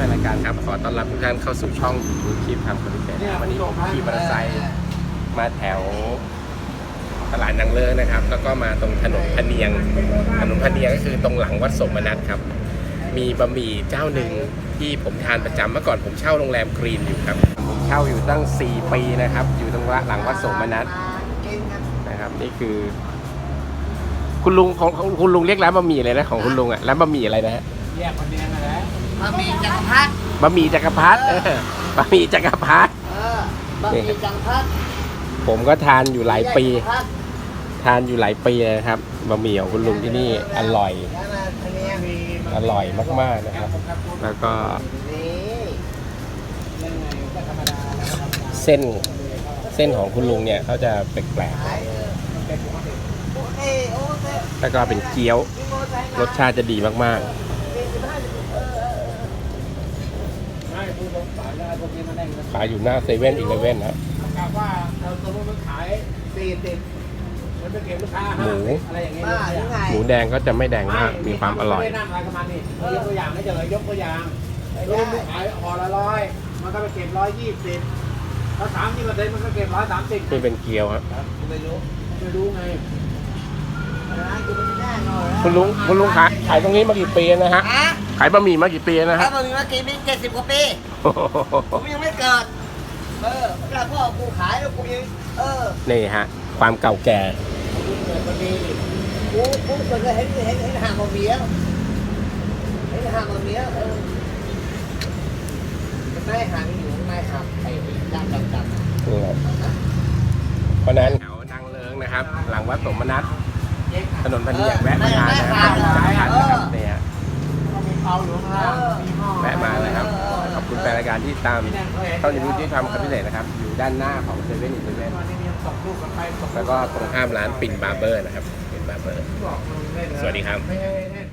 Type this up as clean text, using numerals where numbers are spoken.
นรายการครับขอต้อนรับทุกท่านเข้าสู่ช่องยูทูบคลิปทำคอนเทนต์วันนี้ผมขี่มอเตอร์ไซค์มาแถวตลาดนางเลิ้งนะครับแล้วก็มาตรงถนนพะเนียงก็คือตรงหลังวัดสมนัตครับมีบะหมี่เจ้าหนึ่งที่ผมทานประจำเมื่อก่อนผมเช่าโรงแรมกรีนอยู่ครับผมเช่าอยู่ตั้ง4 ปีนะครับอยู่ตรงหลังวัดสมนัตนะครับนี่คือคุณลุงของคุณลุงเรียกร้านบะหมี่อะไรนะของคุณลุงอ่ะร้านบะหมี่อะไรนะฮะแยกคนเดียวนะบะหมี่จักรพรรดิบะหมี่จักรพรรดิบะหมี่จักรพรรดิบะหมี่จักรพรรดิผมก็ทานอยู่หลายปีนะครับบะหมี่ของคุณลุงที่นี่อร่อยมากๆนะครับแล้วก็เส้นของคุณลุงเนี่ยเขาจะแปลกๆแล้วก็เป็นเกี๊ยวรสชาติจะดีมากๆขายอยู่หน้าเซเว่นอีเลฟเว่นนะว่าเราตัวมันขาย40มันจะเก็บลูกค้าอะไรอย่างเงี้ยหมูแดงก็จะไม่แดงมากมีความอร่อยไม่นั่งอะไรประมาณนี้ยกตัวอย่างไม่เจอยกตัวอย่างลูกขายห่อละ100มันก็ไปเก็บ120แล้ว30%มันก็เก็บ130 นี่เป็นเกี๊ยวครับไม่รู้ไงคุณลุงขายตรงนี้มากี่ปีนะฮะขายบะหมี่มากี่ปีนะฮะบะหมี่มากี่ปี70 กว่าปีผมยังไม่เกิดแล้วพ่อกูขายแล้วกูยังนี่ฮะความเก่าแก่กูเคยเห็นห่างบะหมี่ไม่ห่างอยู่ไม่ห่างไอ้ดำเพราะนั้นแถวนางเลิ้งนะครับหลังวัดสมนัตถนนพะเนียงแวะมาทานนะครับเนี่ยแวะมาเลยครับขอบคุณแฟนรายการที่ตามช่องยูทูบที่ทำคอนเทนต์นะครับอยู่ด้านหน้าของเซเว่นอีเลฟเว่นแล้วก็ตรงข้ามร้านปิ่นบาร์เบอร์นะครับปิ่นบาร์เบอร์สวัสดีครับ